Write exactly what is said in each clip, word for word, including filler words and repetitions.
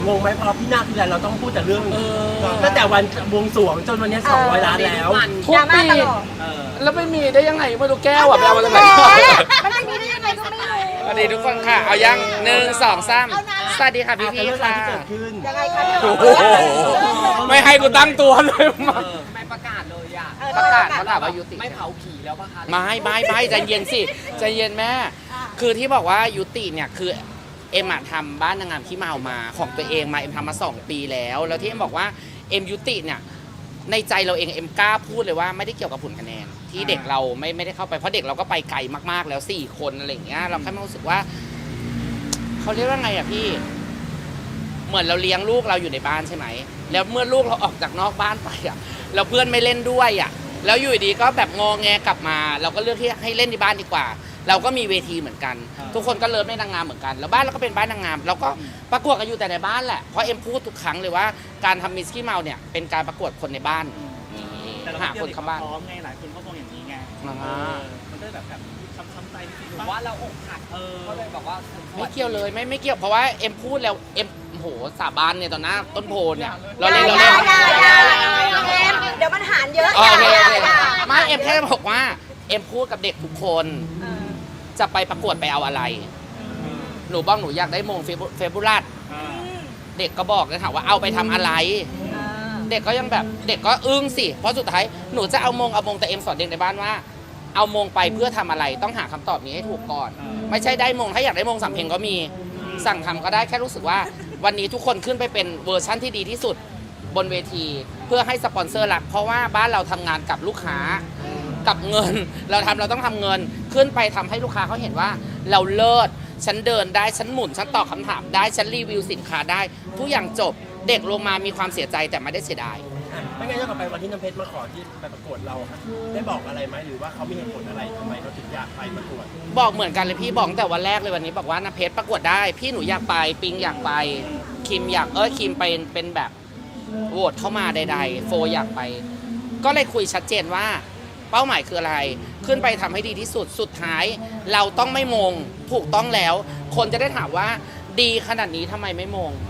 งงไหมพอพี่นาคทีไรเราต้องพูดแต่เรื่องตั้งแต่วันบวงสรวงจนวันนี้สองร้อยล้านแล้วทุกปีแล้วไม่มีได้ยังไงไม่รู้แก้วอ่ะไปเอามาจากไหนมันไม่มีได้ยังไงก็ไม่รู้สวัสดีทุกคนค่ะเอายังหนึ่งสองสามสวัสดีค่ะพี่พี่ค่ะยังไงคะพี่โอ้โหไม่ให้กูตั้งตัวเลยมาไม่ประกาศเลยอ่ะประกาศเขาถามว่ายุติไม่เผาผีแล้วปะคะไม่ไม่ไม่ใจเย็นสิใจเย็นแม่คือที่บอกว่ายุติเนี่ยคือเอ็มอะทำบ้านนางงามที่เมามาของตัวเองมาเอ็มทำมาสองปีแล้วแล้วที่เอ็มบอกว่าเอ็มยุติเนี่ยในใจเราเองเอ็มกล้าพูดเลยว่าไม่ได้เกี่ยวกับผลคะแนนที่เด็กเราไม่ไม่ได้เข้าไปเพราะเด็กเราก็ไปไกลมากๆแล้วสี่คนอะไรอย่างเงี้ยเราแค่รู้สึกว่าเขาเรียกว่าไงอะพี่เหมือนเราเลี้ยงลูกเราอยู่ในบ้านใช่ไหมแล้วเมื่อลูกเราออกจากนอกบ้านไปอะเราเพื่อนไม่เล่นด้วยอะแล้วอยู่ดีก็แบบงอแงกลับมาเราก็เลือกที่ให้เล่นที่บ้านดีกว่าเราก็มีเวทีเหมือนกันทุกคนก็เลิฟในนางงามเหมือนกันแล้วบ้านเราก็เป็นบ้านนางงามเราก็ประกวดกันอยู่แต่ในบ้านแหละเพราะเอ็มพูดทุกครั้งเลยว่าการทำมิสกี้เมาเนี่ยเป็นการประกวดคนในบ้านหาคนเข้าบ้านพร้อมไงหลายคนก็มองอย่างนี้ไงมันก็แบบแบบช้ำๆใจนิดหรือว่าเราอกหักเออก็เลยแบบว่าไม่เกี่ยวเลยไม่ไม่เกี่ยวเพราะว่าเอ็มพูดแล้วเอ็มโหสาบานเนี่ยตอนหน้าต้นโพเนี่ยเราเล่นเราอย่าเล่นอย่าอย่าเอ็มเดี๋ยวมันหารเยอะโอเคโอเคอย่าไม่เอ็มแค่บอกว่าเอ็มพูดกับเด็กทุกคนจะไปประกวดไปเอาอะไรหนูบอกหนูอยากได้มงเฟบูลัสเด็กก็บอกเลยค่ะว่าเอาไปทำอะไร เด็กก็ยังแบบเด็กก็อึ้งสิเพราะสุดท้ายหนูจะเอามงเอามงแต่เอ็มสอนเด็กในบ้านว่าเอามงไปเพื่อทำอะไรต้องหาคำตอบนี้ให้ถูกก่อนไม่ใช่ได้มงถ้าอยากได้มงสำเพ็งก็มีสั่งทำก็ได้แค่รู้สึกว่าวันนี้ทุกคนขึ้นไปเป็นเวอร์ชั่นที่ดีที่สุดบนเวทีเพื่อให้สปอนเซอร์รักเพราะว่าบ้านเราทำงานกับลูกค้ากับเงินเราทำเราต้องทำเงินขึ้นไปทำให้ลูกค้าเขาเห็นว่าเราเลิศฉันเดินได้ฉันหมุนฉันตอบคำถามได้ฉันรีวิวสินค้าได้ทุกอย่างจบเด็กลงมามีความเสียใจแต่ไม่ได้เสียดายไม่งั้นย้อนกลับไปวันที่น้ำเพชรมาขอที่ไปประกวดเราครับได้บอกอะไรไหมหรือว่าเขามีเหตุผลอะไรทำไมเขาถึงอยากไปประกวดบอกเหมือนกันเลยพี่บอกแต่วันแรกเลยวันนี้บอกว่าน้ำเพชรประกวดได้พี่หนูอยากไปปิงอยากไปคิมอยากเออคิมไปเป็นแบบโหวตเข้ามาใดๆโฟอยากไปก็เลยคุยชัดเจนว่าเป้าหมายคืออะไรขึ้นไปทำให้ดีที่สุดสุดท้ายเราต้องไม่มงถูกต้องแล้วคนจะได้ถามว่าดีขนาดนี้ทำไมไม่มง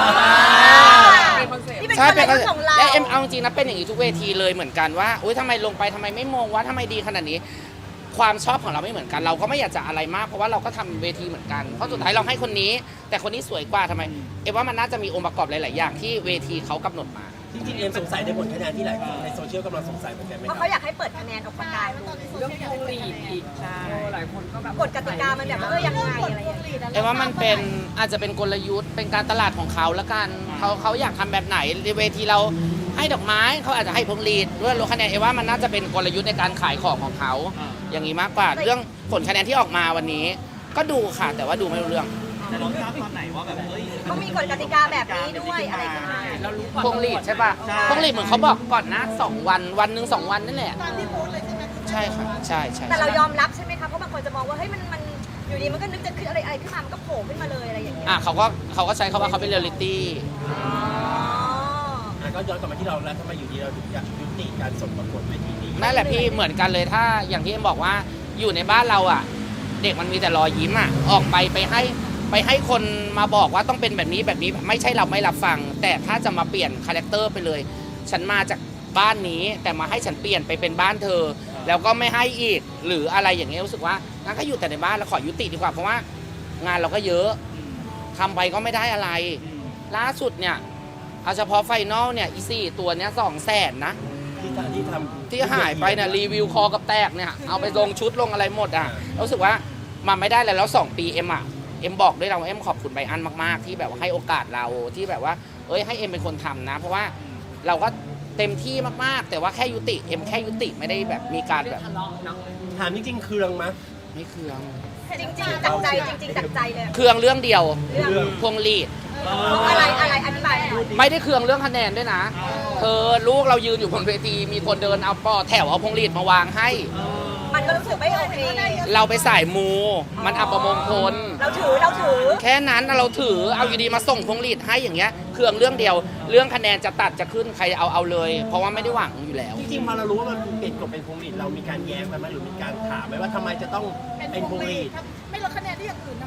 ใช่เป็นคอนเซ็ปต์และเอ็มเอาจริงนะเป็นอย่างนี้ทุกเวทีเลยเหมือนกันว่าอุ้ยทำไมลงไปทำไมไม่มงว่าทำไมดีขนาดนี้ความชอบของเราไม่เหมือนกันเราก็ไม่อยากจะอะไรมากเพราะว่าเราก็ทำเวทีเหมือนกันเพราะสุดท้ายเราให้คนนี้แต่คนนี้สวยกว่าทำไมเอ็มว่ามันน่าจะมีองค์ประกอบหลายๆอย่างที่เวทีเขากำหนดมาจริงๆเอ็มสงสัยในผลคะแนนที่หลายคนในโซเชียลกำลังสงสัยเหมือนกันไหมเพราะเขาอยากให้เปิดคะแนนออกมากายเรื่องพวงหรีดอีกใช่หลายคนก็แบบกฎกติกามันแบบว่าเออยังไงอะไรอย่างเงี้ยเอ็มว่ามันเป็นอาจจะเป็นกลยุทธ์เป็นการตลาดของเขาละกันเขาเขาอยากทำแบบไหนในเวทีเราให้ดอกไม้เขาอาจจะให้พวงหรีดด้วยลดคะแนนเอ็มว่ามันน่าจะเป็นกลยุทธ์ในการขายของของเขาอย่างนี้มากกว่าเรื่องผลคะแนนที่ออกมาวันนี้ก็ดูค่ะแต่ว่าดูไม่รู้เรื่องแต่เราทราบตอนไหนว่าแบบเฮ้ยเขามีกฎกติกาแบบนี้ด้วยอะไรขึ้นมาเรารู้พวงหรีดใช่ป่ะพวงหรีดเหมือนเขาบอกก่อนนะสองวันวันหนึ่งสองวันนั่นแหละใช่ค่ะใช่ใช่แต่เรายอมรับใช่ไหมคะเพราะบางคนจะมองว่าเฮ้ยมันมันอยู่ดีมันก็นึกจะขึ้นอะไรอะไรขึ้นมามันก็โผล่ขึ้นมาเลยอะไรอย่างเงี้ยอ่ะเขาก็เขาก็ใช้คำว่าเขาเป็นเรียลลิตี้อ๋ออ่ะก็ย้อนกลับมาที่เราแล้วทำไมอยู่ดีเราถึงอยากยุติการส่งประกวดเวทีนี้นั่นแหละพี่เหมือนกันเลยถ้าอย่างที่เอ็มบอกว่าอยู่ในบ้านเราอ่ะเด็กมันมีแต่รอยยิ้มอ่ะออกไปไปให้ไปให้คนมาบอกว่าต้องเป็นแบบนี้แบบนี้ไม่ใช่เราไม่รับฟังแต่ถ้าจะมาเปลี่ยนคาแรคเตอร์ไปเลยฉันมาจากบ้านนี้แต่มาให้ฉันเปลี่ยนไปเป็นบ้านเธอแล้วก็ไม่ให้อีกหรืออะไรอย่างเงี้ยรู้สึกว่างั้นก็อยู่แต่ในบ้านแล้วขอยุติดีกว่าเพราะว่างานเราก็เยอะทำไปก็ไม่ได้อะไรล่าสุดเนี่ยเอาเฉพาะไฟนอลเนี่ยอีสี่ตัวเนี้ยสองแสนนะที่ที่ทำที่หายไปเนี่ยรีวิวคอกับแตกเนี่ยเอาไปลงชุดลงอะไรหมดอ่ะรู้สึกว่ามันไม่ได้เลยแล้วสองปีเอ็มอ่ะเอ็มบอกด้วยเราเอ็มขอบคุณไบอันมากๆที่แบบว่าให้โอกาสเราที่แบบว่าเอ้ยให้เอ็มเป็นคนทำนะเพราะว่าเราก็เต็มที่มากๆแต่ว่าแค่ยุติเอ็มแค่ยุติไม่ได้แบบมีการแบบทะเลาะเนาะถามจริงๆเคืองมั้ยไม่เคืองจริงๆจากใจจริงๆจากใจเลยเคืองเรื่องเดียวเรื่องพวงหรีดอะไรอะไรอธิบายหน่อยไม่ได้เคืองเรื่องคะแนนด้วยนะเธอลูกเรายืนอยู่บนเวทีมีคนเดินเอาปอแถวเอาพวงหรีดมาวางให้มันก็รู้สึกไม่โอเคเราไปสายมูมันอัปมงคลเราถือเราถือแค่นั้นเราถือเอาอยู่ดีมาส่งพวงหรีดให้อย่างเงี้ยเคืองเรื่องเดียวเรื่องคะแนนจะตัดจะขึ้นใครเอาเอาเลย เพราะว่าไม่ได้หวังอยู่แล้วจริงๆพอเรารู้ว่ามันเปลี่ยนกฎเป็นพวงหรีดเรามีการแย้งไปไหมหรือมีการถามไหมว่าทำไมจะต้องเป็นพวงหรีดไม่ลดคะแนนที่อย่างอื่นทำไมต้องเป็นพวงห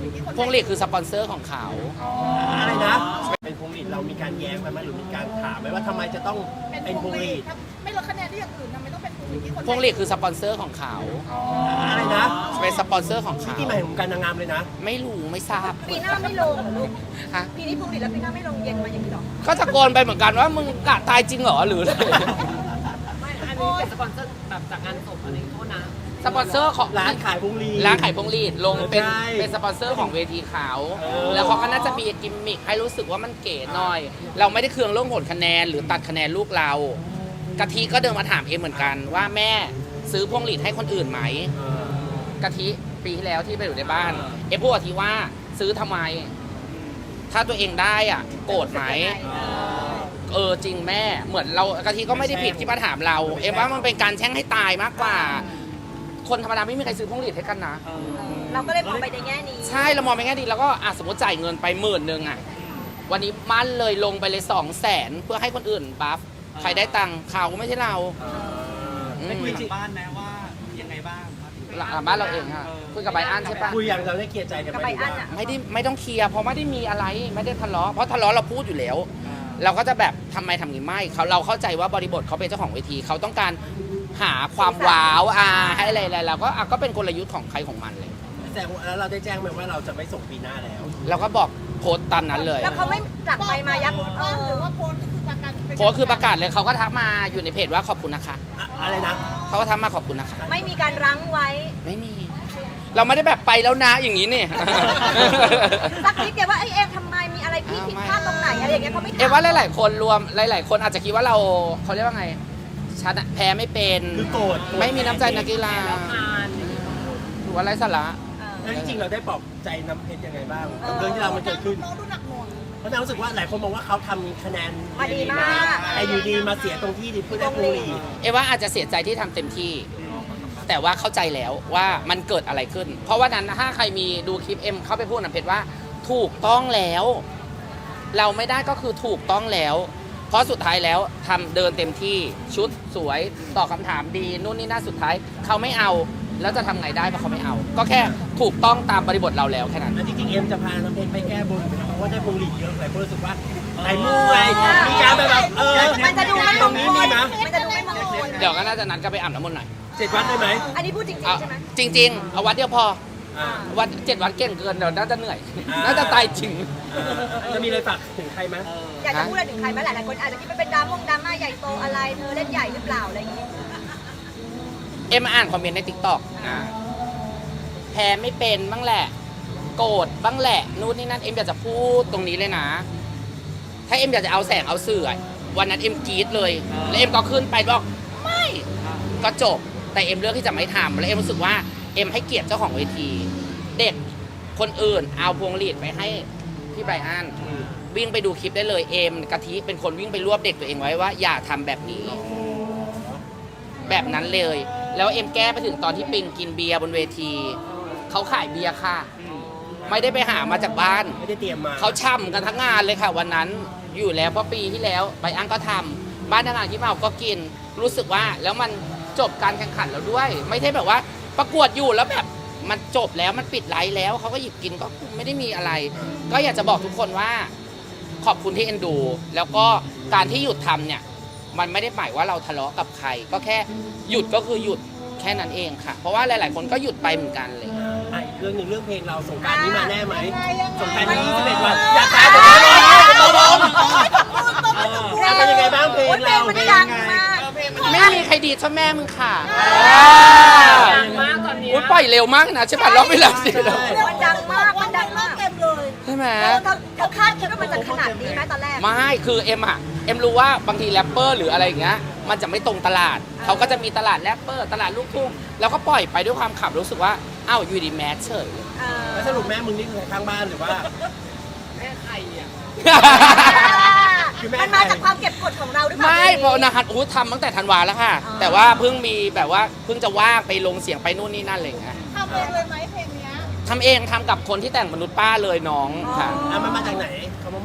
พวงหลีดคือสปอนเซอร์ของเขาอะไรนะ เป็นพวงหลีดเรามีการแย้งไปไหมหรือมีการถามไหมว่าทำไมจะต้องเป็นพวงหลีดไม่ลดคะแนนที่อย่างอื่นทำไมต้องเป็นพวงหลีดที่คนพวงหลีดคือสปอนเซอร์ของเขาอะไรนะเป็นสปอนเซอร์ของเขาที่หมายถึงการนางงามเลยนะไม่รู้ไม่ทราบปีหน้าไม่ลงลูกฮะปีนี้พวงหลีดแล้วปีหน้าไม่ลงเย็นมาอย่างนี้หรอก็ตะโกนไปเหมือนกันว่ามึงกะตายจริงเหรอหรืออะไรไม่อันนี้เป็นสปอนเซอร์แบบจากงานศพอะไรโทษนะสปอนเซอร์ของร้านขายพวงหลีดร้านขายพวงหลีดลงเป็นใช่เป็นสปอนเซอร์ของเวทีเขาเออแล้วเขาก็น่าจะมีกิมมิคให้รู้สึกว่ามันเก๋หน่อย เราไม่ได้เคืองเรื่องผลคะแนนหรือตัดคะแนนลูกเรากะทิก็เดินมาถามเอ็มเหมือนกันว่าแม่ซื้อพวงหลีดให้คนอื่นไหมเออกะทิปีที่แล้วที่ไปอยู่ในบ้าน เอ็มพูดกะทิว่าซื้อทำไม ถ้าตัวเองได้อ่ะโกรธไหมเออจริงแม่เหมือนเรากะทิก็ไม่ได้ผิดที่มาถามเรา เอ็มว่ามันเป็นการแช่งให้ตายมากกว่า คนธรรมดาไม่มีใครซื้อพวงหลีดให้กันนะเราก็เลยมองไปในแง่นี้ใช่เรามองไปแง่ดีแล้วก็อ่ะสมมติจ่ายเงินไปหมื่นหนึ่งอ่ะวันนี้มั่นเลยลงไปเลยสองแสนเพื่อให้คนอื่นบัฟใครได้ตังค์เขาไม่ใช่เราเอออืมได้คุยหลังบ้านนะว่ายังไงบ้างครับหลังบ้านเราเองค่ะคุยกับไบอันใช่ปะคุยอย่างเราได้เคลียร์ใจกันไหมกับใบอันอะไม่ได้ไม่ต้องเคลียร์เพราะไม่ได้มีอะไรไม่ได้ทะเลาะเพราะทะเลาะเราพูดอยู่แล้ว เราก็จะแบบทำไมทำงี้ไม่เขาเราเข้าใจว่าบริบทเขาเป็นเจ้าของเวทีเขาต้องการหาความว้าวอ่าให้อะไรอะไรเราก็อ่ะก็เป็นกลยุทธ์ของใครของมันเลยแต่แล้วเราได้แจ้งไหมว่าเราจะไม่ส่งปีหน้าแล้วเราก็บอกโพสต์ตามนั้นเลยแล้วเขาไม่หลักไปมายักเอหรืออว่าโพสต์ก็คือประกันโพสต์คือประกาศเลยเขาก็ทักมาอยู่ในเพจว่าขอบคุณนะคะอะอะไรนะเขาก็ทักมาขอบคุณนะคะไม่มีการรั้งไว้ไม่มี เราไม่ได้แบบไปแล้วนะอย่างนี้นี่สักนิดเดียวว่าไอ้เอ็มทำไมมีอะไรพี่ผิดพลาดตรงไหนอะไรอย่างเงี้ยเขาไม่ถามเอ็มว่าหลาย ๆ คนรวมหลาย ๆ คนอาจจะคิดว่าเราเขาเรียกว่าไงชนะแพ้ไม่เป็นคือโกรธไม่มีน้ำใจนักกีฬาแล้วผ่านหรือว่าไรสาระเออแล้วจริงๆเราได้ปลอบใจน้ำเพชรยังไงบ้างกับเรื่องที่เรามันเกิดขึ้นน้องดูหนักหน่วงเพราะนางรู้สึกว่าหลายคนมองว่าเขาทำคะแนนมาดีมากแต่อยู่ดีมาเสียตรงที่ดิเพื่อได้พวงหลีดเอ็มว่าอาจจะเสียใจที่ทำเต็มที่ แต่ว่าเข้าใจแล้วว่ามันเกิดอะไรขึ้น เพราะว่านั้นถ้าใครมีดูคลิปเอ็มเข้าไปพูดนะเพชรว่าถูกต้องแล้ว เราไม่ได้ก็คือถูกต้องแล้ว เพราะสุดท้ายแล้วทำเดินเต็มที่ชุดสวยตอบคำถามดีนู่นนี่น่าสุดท้ายเขาไม่เอาแล้วจะทำไงได้เพราะเขาไม่เอา ก็แค่ถูกต้องตามบริบทเราแล้วแค่นั้นแล้วจริงๆเอ็มจะพาน้ำเพชรไปแก้บนเพราะว่าได้พวงหลีดเยอะหลายคนรู้สึกว่าไหนมูไงมีการแบบแบบเออมันจะดูไม่มตรง งนี้คมีลไหมมันจะดูไม่มงคลเดี๋ยวก็น่าจะนัดกันไปอาบน้ำมนต์หน่อยเจ็ดวัดได้ไหมอันนี้พูดจริงเอาๆใช่ไหมจริง ๆ เอาวัดเดียวพออ่าวัดเจ็ดวัดเก่งเกินเดี๋ยวน่าจะเหนื่อยอ่าน่าจะตายจริงจะมีอะไรฝากถึงใครไหมอยากจะพูดอะไรถึงใครไหมหลายๆคนอาจจะคิดว่าเป็นดราม่งดราม่าใหญ่โตอะไรเธอเล่นใหญ่หรือเปล่าอะไรอย่างเงี้ยเอ็มอ่านคอมเมนต์ในทิกตอกแพ้ไม่เป็นบ้างแหละ โกรธบ้างแหละนู่นนี่นั่นเอ็มอยากจะพูดตรงนี้เลยนะ ถ้าเอ็มอยากจะเอาแสงเอาเสื่อวันนั้นเอ็มกรี๊ดเลย แล้วเอ็มก็ขึ้นไปบอกไม่ก็จบ แต่เอ็มเลือกที่จะไม่ทำแล้วเอ็มรู้สึกว่าเอ็มให้เกียรติเจ้าของเวที เด็กคนอื่นเอาพวงหลีดไปให้พี่ไบรอันวิ่งไปดูคลิปได้เลยเอ็มกะทิเป็นคนวิ่งไปรวบเด็กตัวเองไว้ว่าอย่าทำแบบนี้ แบบนั้นเลย แล้วเอ็มแก้ไปถึงตอนที่ปิงกินเบียร์บนเวที เขาขายเบียร์ค่ะ ไม่ได้ไปหามาจากบ้านไม่ได้เตรียมมาเขาช่ำกันทั้งงานเลยค่ะ วันนั้นอยู่แล้วเพราะปีที่แล้วไบอันก็ทำบ้านทางานที่เมาก็กิน รู้สึกว่าแล้วมันจบการแข่งขันแล้วด้วย ไม่ใช่แบบว่าประกวดอยู่แล้วแบบมันจบแล้วมันปิดไลฟ์แล้วเขาก็หยิบกินก็ไม่ได้มีอะไร ก็อยากจะบอกทุกคนว่า ขอบคุณที่เอ็นดู แล้วก็การที่หยุดทำเนี่ย มันไม่ได้หมายว่าเราทะเลาะกับใคร ก็แค่หยุดก็คือหยุดแค่นั้นเองค่ะ เพราะว่าหลาย ๆ คนก็หยุดไปเหมือนกันเลยอ่ะอีกเรื่องหนึ่งเรื่องเพลงเราสงกรารนี้มาแน่ไหมยังไงยังไงสงกรารนี้ยี่สิบเอ็ดวันอยากตายแต่ไม่รอรอรอเป็นยังไงบ้างเพลงโอ้ยเพลเรางมันดังมากไม่มีใครดีเท่าแม่มึงค่ะดังมากตอนเนี้ยอุ้ยปล่อยเร็วมากนะใช่ป่ะรอบเวลาสิมันดังมากมันดังมากเต็มเลยใช่ไหมเออเธอเธอคาดคิดว่ามันจะขนาดนี้ไหมตอนแรกไม่คือเอ็มอะเอ็มรู้ว่าบางทีแรปเปอร์หรืออะไรอย่างเงี้ยมันจะไม่ตรงตลาด เขาก็จะมีตลาดแรปเปอร์ตลาดลูกทุ่งแล้วก็ปล่อยไปด้วยความขับรู้สึกว่าอ้าวอยู่ดีแมสเฉยเออแล้วสรุปแม่มึงนี่คือข้างบ้านหรือว่าแม่ใครอ่ะคือแม่มันมาจากความเก็บกดของเราหรือเปล่าไม่เพราะนะฮัทอู้ทำตั้งแต่ธันวาแล้วค่ะ แต่ว่าเพิ่งมีแบบว่าเพิ่งจะว่างไปลงเสียงไปนู่นนี่นั่นอะไรอย่างเงี้ยทำเองเลยไหมเพลงเนี้ยทำเองทำกับคนที่แต่งมนุษย์ป้าเลยน้องค่ะอ่ะมันมาจากไหนเขาบอกแม่อิน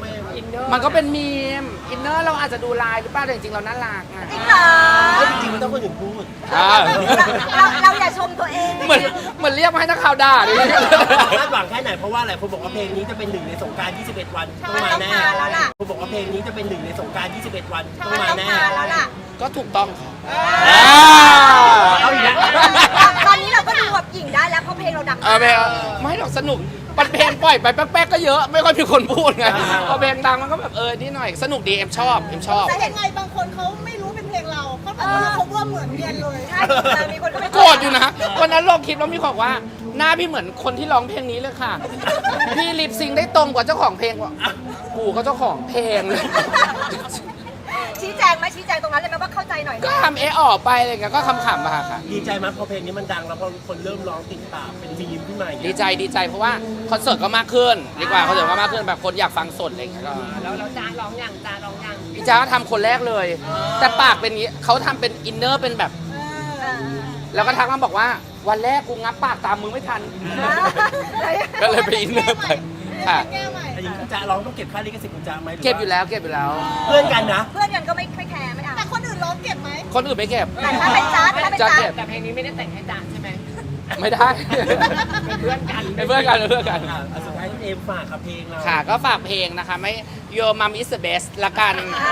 นเนอร์มันก็เป็นมีมอินเนอร์เราอาจจะดูลายหรือเปล่าแต่จริงๆเราน่ารักอะจริงเหรอเฮ้ยจริงๆมันต้องคนอื่นพูดอ่าเราเราอย่าชมตัวเองเหมือนเหมือนเรียกมาให้นักข่าวด่าดิคาดหวังแค่ไหนเพราะว่าหลายคนบอกว่าเพลงนี้จะเป็นหนึ่งในสงกราร ยี่สิบเอ็ด วันต้องมาแน่ต้องมาแล้วล่ะคนบอกว่าเพลงนี้จะเป็นหนึ่งในสงกราร ยี่สิบเอ็ด วันต้องมันมาต้องแน่มาแล้วล่ะก็ถูกต้องค่ะเอาอีกแล้วตอนนี้เราก็ดูแบบหญิงได้แล้วเพราะเพลงเราดังเออเพลงไม่หรอกสนุกมันเพลงปล่อยไปแป๊กๆก็เยอะไม่ค่อยมีคนพูดไงพอเพลงดังมันก็แบบเออนี่หน่อยสนุกดีเอ็มชอบเอ็มชอบแต่ยังไงบางคนเขาไม่รู้เป็นเพลงเราเขาบอกว่าเขาว่าเหมือนเรียนเลยใช่แต่มีคนก็ไม่โกรธอยู่นะวันนั้นลงคลิปแล้วมีคนบอกว่าหน้าพี่เหมือนคนที่ร้องเพลงนี้เลยค่ะ พี่ลิปซิงค์ได้ตรงกว่าเจ้าของเพลงว่ะกูก็เจ้าของเพลงเลยชี้แจงไหมชี้แจงตรงนั้นเลยไหมว่าเข้าใจหน่อยก็ทำเอะออกไปอะไรเงี้ยก็ขำๆมาค่ะดีใจไหมพอเพลงนี้มันดังแล้วพอคนเริ่มร้องติดตามเป็นมีมขึ้นมาอย่างดีเงี้ยใจดีใจเพราะว่าคอนเสิร์ตก็มากขึ้นดีกว่าคอนเสิร์ตก็มากขึ้นแบบคนอยากฟังสดอะไรเงี้ยก็แล้วแล้วจ้าร้องยังจ้าร้องยังพี่จ้าทำคนแรกเลย แต่ปากเป็นอย่างนี้เขาทำเป็นอินเนอร์เป็นแบบเออแล้วก็ทักมาบอกว่าวันแรกกูงับปากตามมึงไม่ทัน ก็เลยไปอินเนอร์ไปค่ะแก้ใหม่อันนี้คุณจะร้องต้องเก็บค่าลิขสิทธิ์คุณจะไหมหรืเก็บอยู่แล้วเก็บอยู่แล้วเพื่อนกันนะเพื่อนกันก็ไม่ไม่แคร์ไม่เอาแต่คนอื่นร้องเก็บไหมคนอื่นไม่เก็บแต่ถ้าเป็นจ๊าดถ้าเป็นจ๊าจ๊าดเก็ดบแต่เพลงนี้ไม่ได้แต่งให้จ้าใช่ไหมไม่ได้เป็นเพื่อนกันเป็นเพื่อนกันเป็นเพื่อนกันอ่ะอ่ะสุดท้ายคุณเอมฝากกับเพลงเราค่ะก็ฝากเพลงนะคะไม่ Your Mom is the best ละกัน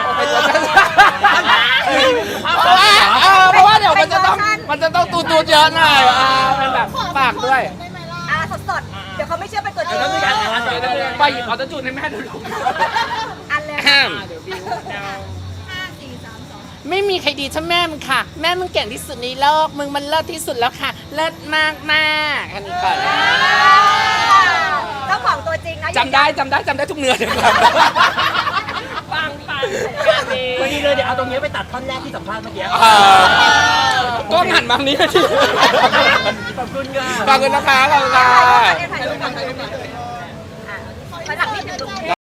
เพราะว่าเออเพราะว่าเดี๋ยวมันจะต้องมันจะต้องตูตูดเยอะหน่อยอ่าเป็นแบบฝากด้วยได้ไหมล่ะอ่าสดๆ เดี๋ยวเขาไม่เชื่อเป็นตัวจริงแล้วมีการอ่านเดี๋ยวเดี๋ยวเดี๋ยวไปหยิบออโต้จูนให้แม่ดูลูกอันเลยแฮมเดี๋ยวบิวเดาห้าสี่สามสองไม่มีใครดีเท่าแม่มึงค่ะ แม่มึงเก่งที่สุดในโลกมึงมันเลิศที่สุดแล้วค่ะ เลิศมากมากๆแค่นี้ก่อนเจ้าของตัวจริงนะจำได้จำได้จำได้ทุกเนื้อเลยครับปังปังงานนี้พอดีเลยเดี๋ยวเอาตรงนี้ไปตัดท่อนแรกที่สัมภาษณ์เมื่อกี้เออก็หันมาทางนี้ทีขอบคุณค่ะขอบคุณนะคะขอบคุณค่ะถ่ายรูปก่อนถ่ายรูปก่อนถ่ายรูปก่อนอ่ะมาหลังนิดนึงลูก